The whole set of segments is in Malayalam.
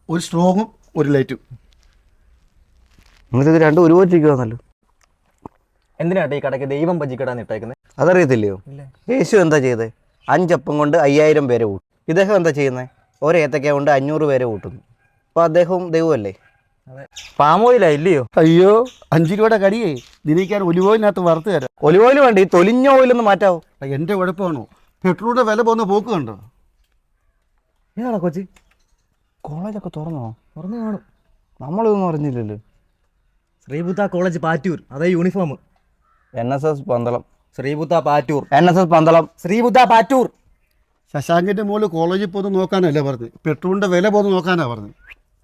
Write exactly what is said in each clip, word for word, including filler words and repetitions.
ഒരു സ്ട്രോങ്ങും ഒരു ലൈറ്റും. നിങ്ങൾക്ക് ഇത് രണ്ടും ഒരുപോലെ ഇരിക്കുവാന്നല്ലോ. എന്തിനാട്ടെ ഈ കടയ്ക്ക് ദൈവം ഭജിക്കടാന്ന് ഇട്ടേക്കുന്നത്? അതറിയത്തില്ലയോ? യേശു എന്താ ചെയ്തത്? അഞ്ചപ്പം കൊണ്ട് അയ്യായിരം പേരെ കൂട്ടും. ഇദ്ദേഹം എന്താ ചെയ്യുന്നത്? ഒരു ഏത്തക്ക കൊണ്ട് അഞ്ഞൂറ് പേരെ കൂട്ടുന്നു. അപ്പോൾ അദ്ദേഹവും ദൈവമല്ലേ? അതെ. പാമോയിലാ ഇല്ലയോ? അയ്യോ, അഞ്ച് രൂപയുടെ കടിയേ ദിനിക്കാൻ ഒലിവ് ഓയിലിനകത്ത് വറുത്ത് തരാം. ഒലിവ് ഓയിൽ വേണ്ട, ഈ തൊലിഞ്ഞ ഓയിലൊന്ന് മാറ്റാവോ? എൻ്റെ കുഴപ്പമാണോ? പെട്രോളിൻ്റെ വില പോകുന്ന പോക്ക് കണ്ടോ? ഏതാ കൊച്ചി? കോളേജൊക്കെ തുറന്നോ? തുറന്നു കാണും. നമ്മളിതൊന്നും അറിഞ്ഞില്ലല്ലോ. ശ്രീബുദ്ധ കോളേജ് പാറ്റൂർ, അതേ uniform. N S S Pandalam. Sreebuddha Pattoor. N S S Pandalam. Sreebuddha Pattoor. ശശാങ്കിൻ്റെ മോള് കോളേജിൽ പോകുന്ന നോക്കാനല്ലേ പറഞ്ഞത്, പെട്രോളിൻ്റെ വില പോകുന്ന നോക്കാനാണ് പറഞ്ഞത്.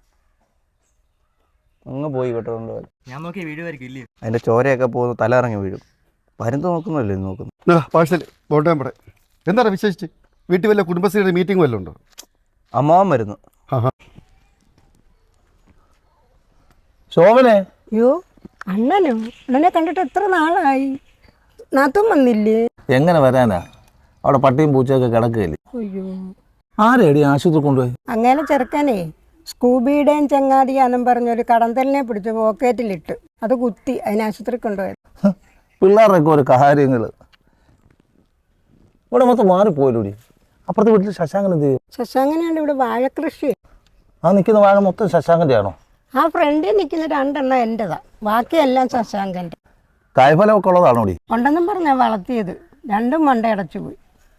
അങ്ങ് പോയി പെട്രോളിൻ്റെ വില. ഞാൻ നോക്കിയ വീഴുമായിരിക്കും ഇല്ലയോ? അതിൻ്റെ ചോരയൊക്കെ പോകുന്നു, തല ഇറങ്ങി വീഴും. പരുന്ത് നോക്കുന്നല്ലേ നോക്കുന്നു. പാഴ്സൽ ബോട്ടം പടേ. എന്താണ് വിശേഷിച്ച്? വീട്ടിൽ വല്ല കുടുംബശ്രീയുടെ മീറ്റിംഗ് വല്ലതും ഉണ്ടോ? അമ്മാവൻ വരുന്നു. ശോഭനെ. അയ്യോ, അണ്ണനോ? അണ്ണനെ കണ്ടിട്ട് എത്ര നാളായി. നാത്തും വന്നില്ലേ? എങ്ങനെ വരാനാ? അവിടെ പട്ടിയും പൂച്ചയൊക്കെ കിടക്കുകയില്ലേ? അയ്യോ, ആരെടി ആശുപത്രി കൊണ്ടുപോയി? അങ്ങനെ ചെറുക്കനെ സ്കൂബിയുടെയും ചങ്ങാതിയാന്നും പറഞ്ഞൊരു കടന്തലിനെ പിടിച്ച് പോക്കറ്റിലിട്ട് അത് കുത്തി അതിന് ആശുപത്രി കൊണ്ടുപോയത്. പിള്ളേരുടെയൊക്കെ ഒരു കാര്യങ്ങൾ ഇവിടെ മൊത്തം മാറിപ്പോയില്ലൂടി. അപ്പുറത്തെ വീട്ടിൽ ശശാങ്കൻ എന്ത് ചെയ്യും? ശശാങ്കനാണ്ട് ഇവിടെ വാഴക്കൃഷി. ആ നിൽക്കുന്ന വാഴ മൊത്തം ശശാങ്കൻ്റെ ആണോ? ആ ഫ്രണ്ടിൽ നിൽക്കുന്ന രണ്ടെണ്ണം എൻ്റെതാ, ബാക്കിയെല്ലാം ശശാങ്കൻ്റെ. കായ്ഫലമൊക്കെ ഉള്ളതാണോ? ഉണ്ടെന്നും പറഞ്ഞാൽ വളർത്തിയത്, രണ്ടും മണ്ട അടച്ചു പോയി.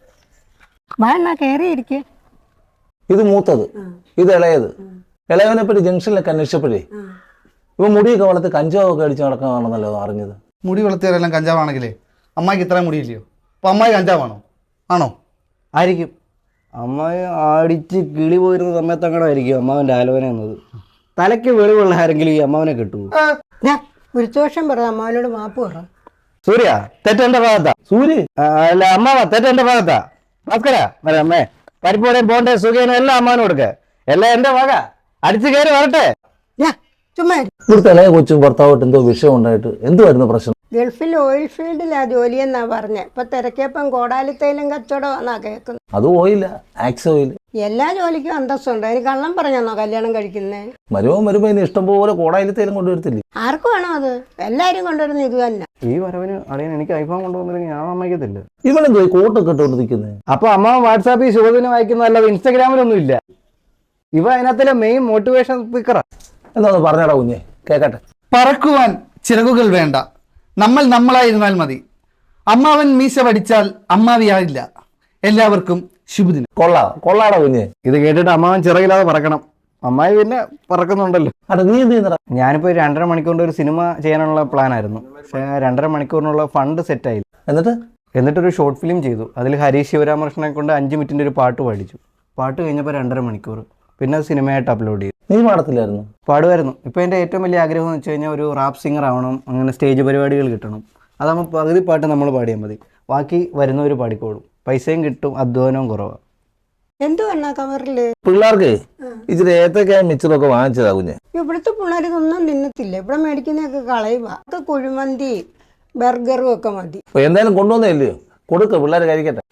വാഴ കയറിയിരിക്കേ. ഇത് മൂത്തത്, ഇത് ഇളയത്. ഇളയവനെ പറ്റി ജംഗ്ഷനിലൊക്കെ അന്വേഷിച്ചപ്പോഴേ ഇവ മുടിയൊക്കെ വളർത്തി കഞ്ചാവൊക്കെ അടിച്ച് നടക്കാനാണെന്നല്ലോ അറിഞ്ഞത്. മുടി വളർത്തിയവരെല്ലാം കഞ്ചാവാണെങ്കിലേ അമ്മായിക്ക് ഇത്രയും മുടിയില്ലയോ? അപ്പോൾ അമ്മായി കഞ്ചാവാണോ? ആണോ? ആയിരിക്കും. അമ്മായി അടിച്ച് കിളി പോയിരുന്ന സമയത്ത് അങ്ങനെ ആയിരിക്കും അമ്മാവൻ്റെ ആലോചന എന്നത്. തലയ്ക്ക് വെളിവുള്ള ആരെങ്കിലും ഈ അമ്മാവനെ കിട്ടുമോ? ഒരു ദോഷം പറ, അമ്മാവനോട് മാപ്പ് പറ. സൂര്യ, തെറ്റെന്റെ ഭാഗത്താ. സൂര്യ അല്ല അമ്മാവ, തെറ്റെന്റെ ഭാഗത്താ. ഭാസ്കര അമ്മേ, പരിപ്പോടെയും പോണ്ടേ സുഖേനും എല്ലാം അമ്മാവനും കൊടുക്ക. എല്ലാം എന്റെ വക. അടിച്ചു കയറി വരട്ടെ. ചുമ്മാ ഇവിടുത്തെ ഇളയ കൊച്ചും ഭർത്താവായിട്ട് എന്തോ വിഷയം ഉണ്ടായിട്ട് എന്തുവായിരുന്നു പ്രശ്നം? ഗൾഫിൽ ഓയിൽ ഫീൽഡിലാ ജോലിയെന്നാ പറഞ്ഞ. ഇപ്പൊ തിരക്കിയപ്പം കോടാലിത്തൈലും കച്ചവടമാന്നാ കേൾക്കുന്നത്. അത് ഓയില്ല, ആക്സ് ഓയിൽ. എല്ലാ ജോലിക്കും അന്തസ്സുണ്ട്. അതിന് കള്ളം പറഞ്ഞാന്നോ കല്യാണം കഴിക്കുന്നേ? മരുമൻ വരുമ്പോ ഇനി ഇഷ്ടം പോലെ കോടായിലത്തേലും കൊണ്ടുവരത്തില്ലേ? ആർക്കും വേണോ അത്? എല്ലാരും കൊണ്ടുവരുന്ന ഇത് തന്നെ. ഈ വരവിന് അളിയൻ എനിക്ക് ഐഫോൺ കൊണ്ടുവന്നില്ലെങ്കിൽ ഞാൻ സമ്മതിക്കത്തില്ല. ഇവനെന്തോ കോട്ടൊക്കെ ഇട്ടുകൊണ്ട് നിൽക്കുന്നത്? അപ്പൊ അമ്മ വാട്സാപ്പിൽ ശുഭദിനം വായിക്കുന്നതല്ലാതെ ഇൻസ്റ്റാഗ്രാമിലൊന്നും ഇല്ല. ഇവ അതിനകത്തിലെ മെയിൻ മോട്ടിവേഷൻ സ്പീക്കറാ. എന്താന്ന് പറഞ്ഞാടാ കുഞ്ഞെ, കേക്കട്ടെ. പറക്കുവാൻ ചിറകുകൾ വേണ്ട, നമ്മൾ നമ്മളായിരുന്നാൽ മതി. അമ്മാവൻ മീശ പഠിച്ചാൽ അമ്മാവിയായില്ല. എല്ലാവർക്കും ശുഭദിനം. കൊള്ളാ കൊള്ളാടാ കുഞ്ഞെ. ഇത് കേട്ടിട്ട് അമ്മാവൻ ചിറകില്ലാതെ പറക്കണം. അമ്മായി പിന്നെ പറക്കുന്നുണ്ടല്ലോ. അടാ നീ എന്ത് ചെയ്യുന്നടാ? ഞാനിപ്പോൾ ഒരു രണ്ടര മണിക്കൂറിൻ്റെ ഒരു സിനിമ ചെയ്യാനുള്ള പ്ലാൻ ആയിരുന്നു. പക്ഷേ രണ്ടര മണിക്കൂറിനുള്ള ഫണ്ട് സെറ്റായില്ല. എന്നിട്ട് എന്നിട്ടൊരു ഷോർട്ട് ഫിലിം ചെയ്തു. അതിൽ ഹരീഷ് ശിവരാമകൃഷ്ണനെ കൊണ്ട് അഞ്ച് മിനിറ്റിൻ്റെ ഒരു പാട്ട് പാടിച്ചു. പാട്ട് കഴിഞ്ഞപ്പോൾ രണ്ടര മണിക്കൂർ. പിന്നെ അത് സിനിമയായിട്ട് അപ്ലോഡ് ചെയ്തു. നീ പാടത്തില്ലായിരുന്നു? പാടുമായിരുന്നു. ഇപ്പോൾ എൻ്റെ ഏറ്റവും വലിയ ആഗ്രഹം എന്ന് വെച്ച് കഴിഞ്ഞാൽ ഒരു റാപ്പ് സിംഗർ ആവണം. അങ്ങനെ സ്റ്റേജ് പരിപാടികൾ കിട്ടണം. അതാകുമ്പോൾ പകുതി പാട്ട് നമ്മൾ പാടിയാൽ മതി, ബാക്കി വരുന്നവർ പാടിക്കോളും. പൈസയും കിട്ടും, അധ്വാനവും കുറവാണ്. എന്തു വേണ കവറില്? പിള്ളേർക്ക് ഇച്ചിരി ഏത്തക്കായ മിച്ചറൊക്കെ വാങ്ങിച്ചതാ കുഞ്ഞെ. ഇവിടുത്തെ പിള്ളേർ ഇതൊന്നും തിന്നത്തില്ല. ഇവിടെ മേടിക്കുന്നതൊക്കെ കളയുക. ഒക്കെ കുഴിമന്തി ബർഗറും ഒക്കെ മതി. എന്തായാലും കൊണ്ടുവന്നേ ഇല്ലയോ, കൊടുക്ക, പിള്ളേർ കഴിക്കട്ടെ.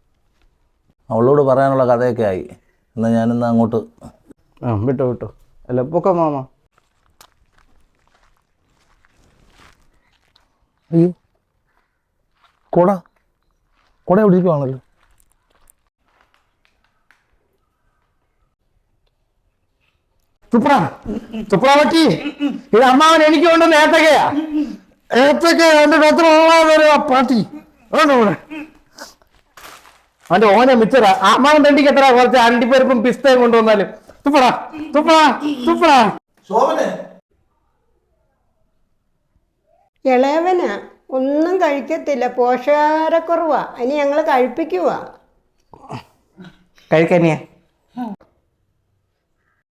അവളോട് പറയാനുള്ള കഥയൊക്കെ ആയി. എന്നാൽ ഞാനിന്ന് അങ്ങോട്ട്. ആ വിട്ടോ വിട്ടോ. അല്ല പൊക്ക മാമ. അയ്യോ, കൊട കൊട എവിടെ ഇരിക്കുവാണല്ലോ. തുപ്ര തുപ്ര പറ്റി. ഇത് അമ്മാവൻ എനിക്ക് കൊണ്ടുവന്ന ഏത്തക്കയാ. ഏത്തക്ക എൻ്റെ എത്ര പാട്ടി ഇവിടെ. അവൻ്റെ ഓനെ മിച്ചറ. അമ്മാവൻ തണ്ടിക്ക് എത്ര കുറച്ച് അണ്ടിപ്പരിപ്പും പിസ്തയും കൊണ്ടുവന്നാലും. തുപ്പട തുപ്പട തുപ്പട. ഇളയവനാ ഒന്നും കഴിക്കത്തില്ല, പോഷകാഹാരക്കുറവാ. ഇനി ഞങ്ങൾ കഴിപ്പിക്കുവാ. കഴിക്കാനിയാ